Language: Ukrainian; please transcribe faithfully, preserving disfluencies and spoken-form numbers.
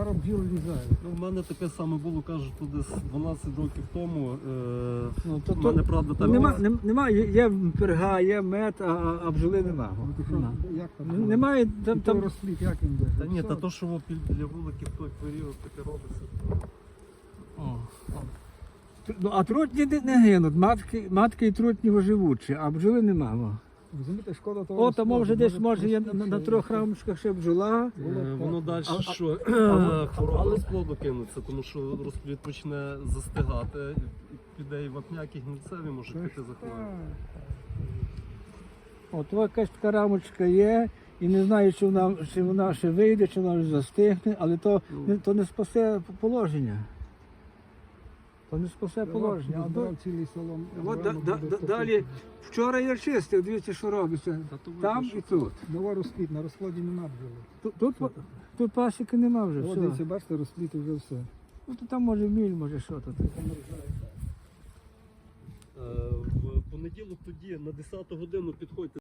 зараз бджіл лізає. Ну, в мене таке саме було, кажуть, то десь дванадцять років тому. Е, Ну, то, в мене, правда, там... нема, нем- нема, є, є перга, є мед, а, а бджоли нема. Ну, то що, Нема. як там? Н- Немає І там, той там розплід, як він буде? Та ні, Все. та то, що во, для вуликів в той період таке робиться. О, о. Ну, а трутні не, не гинуть, матки, матки і трутні живучі, а бджоли нема. О, Розумієте, шкода того. о там може десь може є розплоду, на, на що- трьох рамочках ще бджола. Е, Воно далі, А- а- що а- хвороба розплоду кинуться, тому що розплід почне застигати, і піде і вапняк, і гнильцеві можуть Так, піти захворювання. От якась така рамочка є, і не знаю, чи вона, чи вона ще вийде, чи вона вже застигне, але то, не, то не спасе положення. То не спасе положення. А до- Збирав цілий солом. От да, да, да, далі, вчора я чистив, дивіться, що робиться. Та то видно, Там що і тут. Нова розплід, на розкладі нема бджоли. Тут, тут, па- тут пасіки нема вже. О, Все. дивіться, бачите, розплід і вже все. Ну, то там може міль, може що тут. Е, в понеділок тоді на десяту годину підходьте.